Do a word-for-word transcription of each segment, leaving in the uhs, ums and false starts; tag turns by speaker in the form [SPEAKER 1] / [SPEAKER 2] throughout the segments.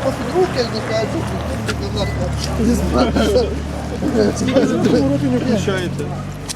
[SPEAKER 1] посадку, як
[SPEAKER 2] Повороти не включаєте.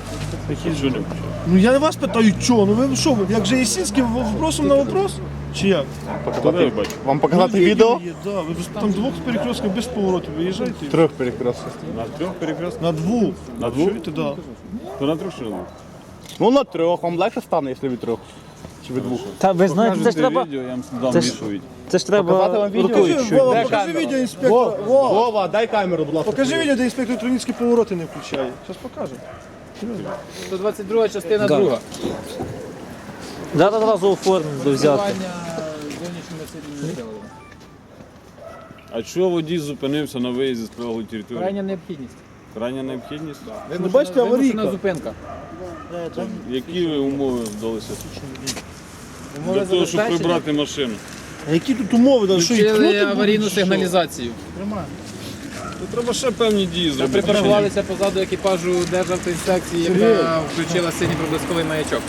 [SPEAKER 2] Ну я вас питаю, чого? Ну ви що, як же Єсінський вопросом на вопрос? Чи як?
[SPEAKER 3] Показати, вам показати
[SPEAKER 2] Ну,
[SPEAKER 3] відео?
[SPEAKER 2] Є, да. Ви ж там двох перекрестків без поворотів виїжджаєте?
[SPEAKER 3] Трьох перекрестків.
[SPEAKER 4] На трьох перекрестках?
[SPEAKER 2] На двох.
[SPEAKER 4] На двох?
[SPEAKER 2] Чуєте, да.
[SPEAKER 4] То на трьох чи на двох?
[SPEAKER 3] Ну на трьох, вам легше стане, якщо від трьох. Чи від двох.
[SPEAKER 5] Та ви знаєте, це ж
[SPEAKER 4] Покажете
[SPEAKER 5] треба.
[SPEAKER 4] відео, я вам дам
[SPEAKER 5] Це ж-
[SPEAKER 4] відповідь.
[SPEAKER 5] Це ж
[SPEAKER 3] Показати
[SPEAKER 5] треба
[SPEAKER 3] вам відео?
[SPEAKER 5] рукою
[SPEAKER 2] Покажи,
[SPEAKER 5] чуть.
[SPEAKER 2] Вова,
[SPEAKER 3] Де
[SPEAKER 2] покажи
[SPEAKER 3] камера?
[SPEAKER 2] відео інспектора. Вова,
[SPEAKER 3] Вова, дай камеру, будь ласка.
[SPEAKER 2] покажи відео, де інспектор Троніцький повороти не включає. Зараз покаже.
[SPEAKER 6] сто двадцять друга частина друга.
[SPEAKER 5] Зараз одразу оформимо до взяти.
[SPEAKER 6] Зовнішніми сильними приладами.
[SPEAKER 4] А чого водій зупинився на виїзді з прилеглої території?
[SPEAKER 6] Крайня необхідність.
[SPEAKER 4] Крайня необхідність?
[SPEAKER 6] Вимушена-
[SPEAKER 2] бачите, аварійка.
[SPEAKER 6] вимушена зупинка.
[SPEAKER 4] Які ви умови вдалися?
[SPEAKER 6] Умови
[SPEAKER 4] Для того, щоб
[SPEAKER 6] забезпечення.
[SPEAKER 4] прибрати машину.
[SPEAKER 2] А які тут умови? Да, що, і
[SPEAKER 6] Включили
[SPEAKER 2] кнути будуть,
[SPEAKER 6] аварійну
[SPEAKER 2] чи що?
[SPEAKER 6] сигналізацію.
[SPEAKER 4] То треба ще певні дії
[SPEAKER 6] Ми
[SPEAKER 4] зробити.
[SPEAKER 6] припаркувалися позаду екіпажу Державтоінспекції, яка включила синій проблисковий маячок.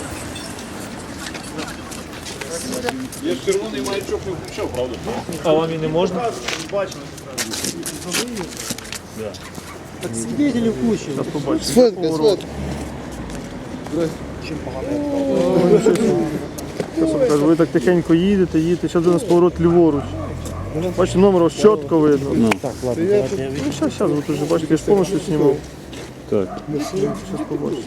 [SPEAKER 4] Я ж червоний маячок не включав, правда?
[SPEAKER 5] А вам і не можна?
[SPEAKER 1] Сфотка, сфотка.
[SPEAKER 2] Кажу, ви так тихенько їдете, їдете, зараз у нас поворот ліворуч. Бачите, номер ось чітко видно. Ну, так, ладно. Ну, зараз, зараз, ви вже бачите, я ж повністю знімав.
[SPEAKER 4] Так.
[SPEAKER 2] Зараз побачите.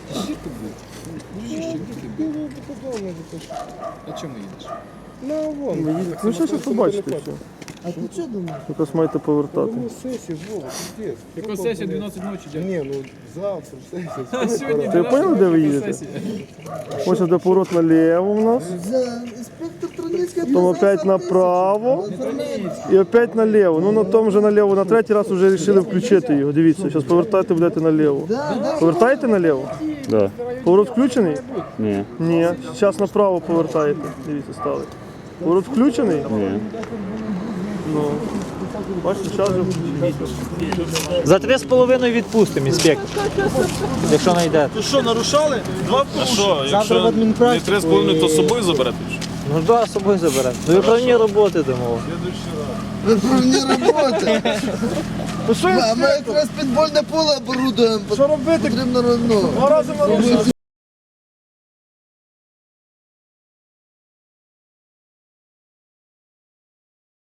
[SPEAKER 6] А чому їдеш?
[SPEAKER 2] Ви їдете. Ну, зараз побачите все.
[SPEAKER 1] А ти що думаєш?
[SPEAKER 2] Якраз маєте повертати.
[SPEAKER 6] Яку сесію дванадцять ночі, дядь?
[SPEAKER 1] Ні, ну завтра сесія.
[SPEAKER 6] А сьогодні
[SPEAKER 2] Ти поняв, де ви їдете? Ось де поворот наліво у нас,
[SPEAKER 1] За інспектор Троніцький.
[SPEAKER 2] потім опять направо і опять наліво. Ну на тому же наліво, на третій раз вже вирішили включити його. Дивіться, зараз повертайте, будете наліво. Повертаєте наліво?
[SPEAKER 4] Да.
[SPEAKER 2] Поворот включений?
[SPEAKER 4] Ні.
[SPEAKER 2] Ні. Зараз направо повертаєте. Дивіться, стали. Поворот включений?
[SPEAKER 4] Ні.
[SPEAKER 2] Ну. Бачите, зараз вже включений.
[SPEAKER 5] За три з половиною відпустимо, інспектор. Якщо знайдете.
[SPEAKER 2] Ви що, нарушали? Два
[SPEAKER 4] А що, якщо не три з половиною, то з собою заберете?
[SPEAKER 5] Ну да, з собою заберемо. Ну виправні роботи дамо.
[SPEAKER 1] Виправні роботи.
[SPEAKER 2] Ну що,
[SPEAKER 1] А ми якраз підвольне поле оборудуємо.
[SPEAKER 2] що робити?
[SPEAKER 1] Потрібно ну,
[SPEAKER 2] Два рази нарушили.